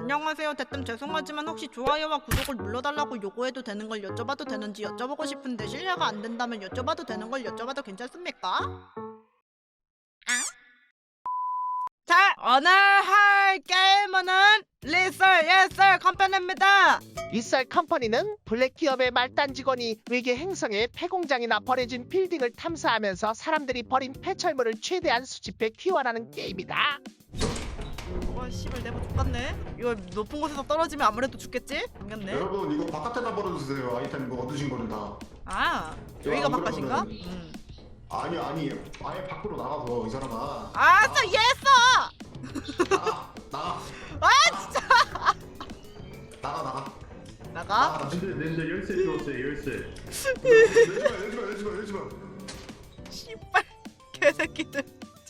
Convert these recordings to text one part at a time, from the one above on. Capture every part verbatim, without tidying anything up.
안녕하세요. 대뜸 죄송하지만 혹시 좋아요와 구독을 눌러달라고 요구해도 되는 걸 여쭤봐도 되는지 여쭤보고 싶은데 실례가 안 된다면 여쭤봐도 되는 걸 여쭤봐도 괜찮습니까? 아? 자, 오늘 할 게임은 리썰 예썰 컴퍼니입니다. 리썰 컴퍼니는 블랙 기업의 말단 직원이 외계 행성의 폐공장이나 버려진 빌딩을 탐사하면서 사람들이 버린 폐철물을 최대한 수집해 귀환하는 게임이다. 와 씨발 내가 죽겠네. 이거 높은 곳에서 떨어지면 아무래도 죽겠지? 당겼네. 여러분 이거 바깥에다 버려주세요. 아이템 이거 얻으신 거는 다. 아 여기가 안 바깥인가? 그러면은- 음. 아니 아니 아예 밖으로 나가서 이 사람아. 아싸 예했어. 나가 나가 아 진짜. 나가 나가. 나가? 나가. 근데 근데 열쇠 주었어요 열쇠. 열지마 열지마 열지마 열지마. 씨발 개새끼들.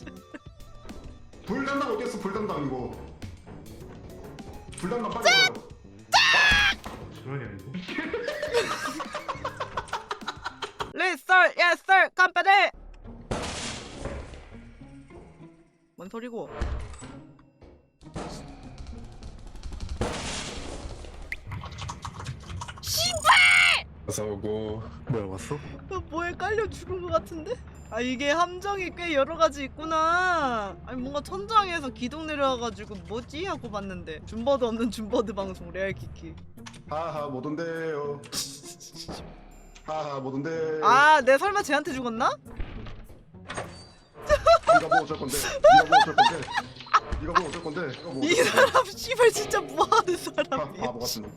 불담당 어디였어 불담당 이거. 불담당 빨리 와요. 장난이 아니고. 리썰 예썰 컴퍼니. 뭔 소리고? 어서오고. 뭐야 왔어? 나 뭐에 깔려 죽은 것 같은데? 아 이게 함정이 꽤 여러 가지 있구나. 아니 뭔가 천장에서 기둥 내려와가지고 뭐지 하고 봤는데 줌버드 없는 줌버드 방송 레알 키키. 하하 못 온대요. 하하 못 온대. 아 내 설마 쟤한테 죽었나? 네가 뭐 어쩔 건데? 네가 뭐 어쩔 건데? 네가 뭐 어쩔 건데? 네가 뭐 이 어쩔 건데? 사람 씨발 진짜 뭐하는 아, 사람이야. 바보 같은 놈.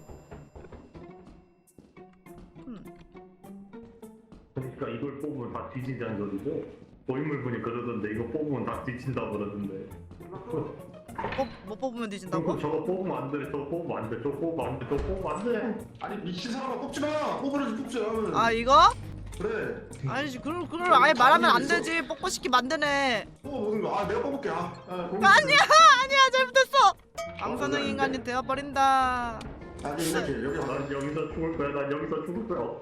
그러니까 이걸 뽑으면 다 뒤진다는 소리죠? 고인물 분이 그러던데 이거 뽑으면 다 뒤진다고 그러던데. 뭐, 뭐 뽑으면 뒤진다고? 그럼 저거 뽑으면 안 돼, 저거 뽑으면 안 돼, 저거 뽑으면 안 돼, 저거 뽑으면 안 돼. 아니 미친 사람아 뽑지 마. 뽑으려지 뽑지 마. 아 이거? 그래. 아니지 그걸 그걸 아예 말하면 안 되지. 뽑고 싶게 만드네. 뽑아 보는 거. 아 내가 뽑을게. 아, 아 뽑을게. 아니야 아니야 잘못했어. 방사능 인간이 되어버린다. 아니 이렇게 여기 와. 난 여기서 죽을 거야, 난 여기서 죽을 거야.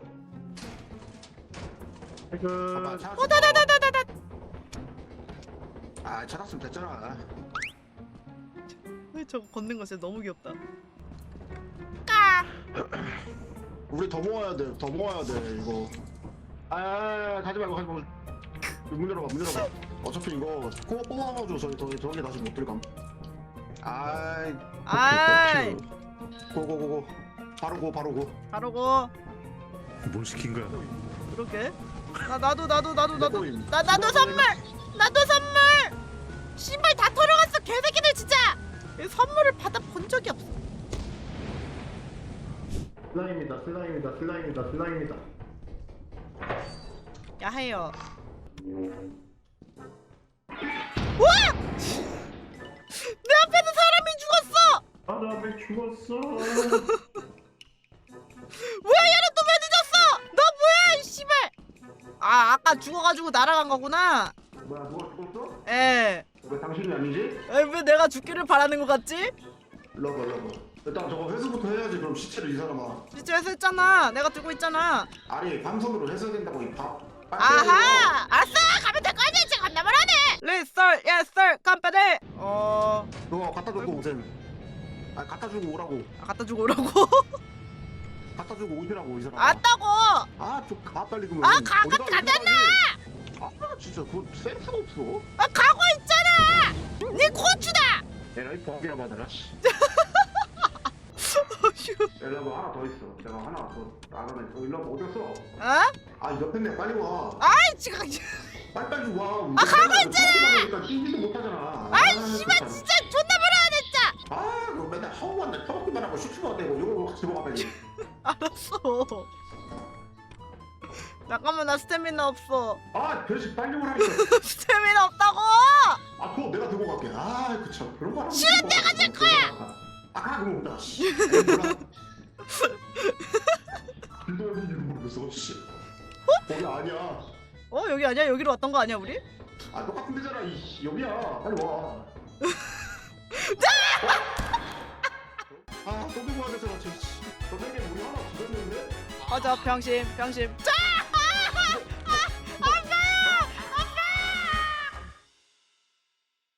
봐봐, 그 찾았어. 어 다다다다다다. 아 찾았으면 됐잖아. 저거 걷는 거 진짜 너무 귀엽다. 우리 더 모아야 돼. 더 모아야 돼 이거. 아, 아, 아 가지 말고 가지 말고. 문 열어봐 문 열어봐. 어차피 이거 코 뽑아가지고 저기 저기 저기 다시 못 들감. 아이. 아이 고고고고. 바로 고 바로 고. 바로 고. 뭘 시킨 거야? 그렇게. 나 나도 나도 나도 나도 꼬임. 나 나도 선물. 나도 선물. 신발 다 털어갔어 개새끼들 진짜. 이 선물을 받아 본 적이 없어. 슬라임이다, 슬라임이다, 슬라임이다, 슬라임이다. 야해요. 와! 내 앞에서 사람이 죽었어. 사람이 죽었어. 뭐야 얘는 또 왜 늦었어? 너 뭐야 이 씨발. 아 아까 죽어가지고 날아간 거구나. 뭐야 누가 죽었어? 에. 왜 당신이 아니지? 에, 왜 내가 죽기를 바라는 것 같지? 러버 러버. 일단 저거 회수부터 해야지. 그럼 시체를 이 사람아. 진짜 했었잖아. 내가 들고 있잖아. 아니 방송으로 해서야 된다고 이 밥. 아하! 알았어! 가면 될 거 아니야! 지금 겁나 말하네! 리썰 예썰 컴퍼니! 어... 너 갖다 주고 오셈. 아 갖다 주고 오라고. 아, 갖다 주고 오라고? 갖다 주고 오시라고 이 사람. 왔다고! 아좀 가 빨리 그러면. 아, 가, 어디가 가, 어디가 가지? 아 진짜 그거 센스가 없어. 아 가고 있잖아! 네 고추다! 에라이 버기나 받아라. 씨. 일로 와 하나 더 있어. 내가 하나 더 나가면 어 일로 와 어디 갔어? 어? 아 옆에 내 빨리 와. 아이 지금 빨리 빨리 와. 아, 가고 있잖아. 그러니까 뛰지도 못하잖아. 아이 씨발 진짜 존나 말하네 진짜! 아 그거 맨날 허우한테 터먹기만 하고 슈슈만 되고 이거 같이 먹어 빨리. 알았어 잠깐만 나 스태미나 없어. 아 별식 빨리 오라니까. 스태미나 없다고! 아 그거 내가 들고 갈게. 아 그 참 그런 거 하면 싫은 내가 줄 거야. 아 그럼 없다. 씨. 빌도 어딘지 모르겠어. 씨. 거기 아니야. 어 여기 아니야? 여기로 왔던 거 아니야 우리? 아 똑같은 데잖아. 이 여기야. 빨리 와. 아또 들고 가야 되잖아. 저 씨. 저 세계 우리 하나 죽었는데. 맞아 병신 병신 짜!